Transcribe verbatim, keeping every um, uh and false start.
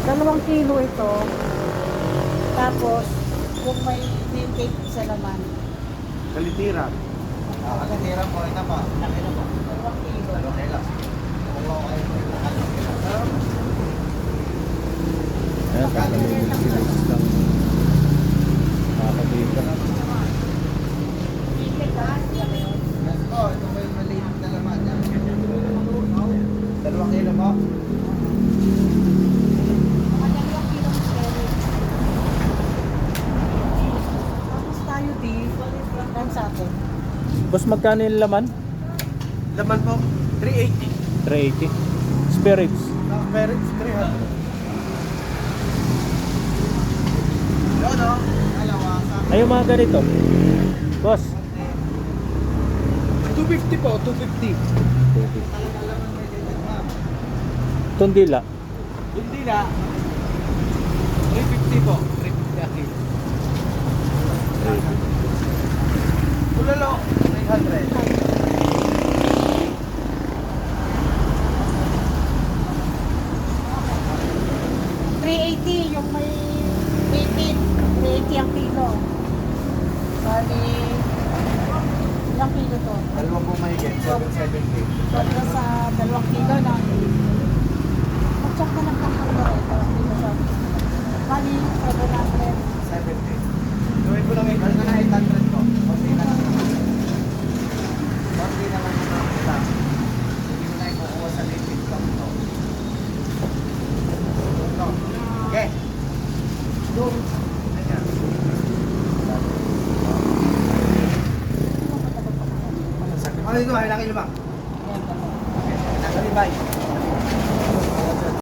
Dalawang kilo ito. Tapos, kung may name cake sa laman. Kalitiran. Ah, kalitiran po, ito po. Nakita po. Dalawang kilo. Okay lang. Kumuha kayo po yung kalitiran. Ayan, tatanungin sila ng mga kabita. Cake ha? Yes po, ito po yung maliit na laman. Yan. Dalawang kilo po. Mga dalawang kilo ng cherry. Tapos tayo di, dan sa atin. Boss, magkano yung laman? Laman po, three eighty. three eighty. Spirits. Parents, three hundred. Yun o. Dalawa sa Ay, yung mga ganito. Boss. two fifty po, two fifty. talaga laman may digit ma'am. Tundila. Hindi na. three fifty po, three fifty a kilo. Ulalo, three hundred. three eighty yung may eighteen. three eighty ang kilo. Bali, ilang kilo to? Dalawa po mahigit, seven seventy. Pagka sa dalawang kilo na. Mag-check ka ng pangkalo ito. Dito sa bali, seven hundred. seventy. Gawin ko lang eight hundred na eight hundred po. Okay na lang naman. Okay na lang naman kita. Hindi mo na ikukuha sa liquid lang to. Ito. Okay. Doon. Ayan. Ano dito? Ay, laki lima. Ayan, dalawa. Okay. Nakalibay.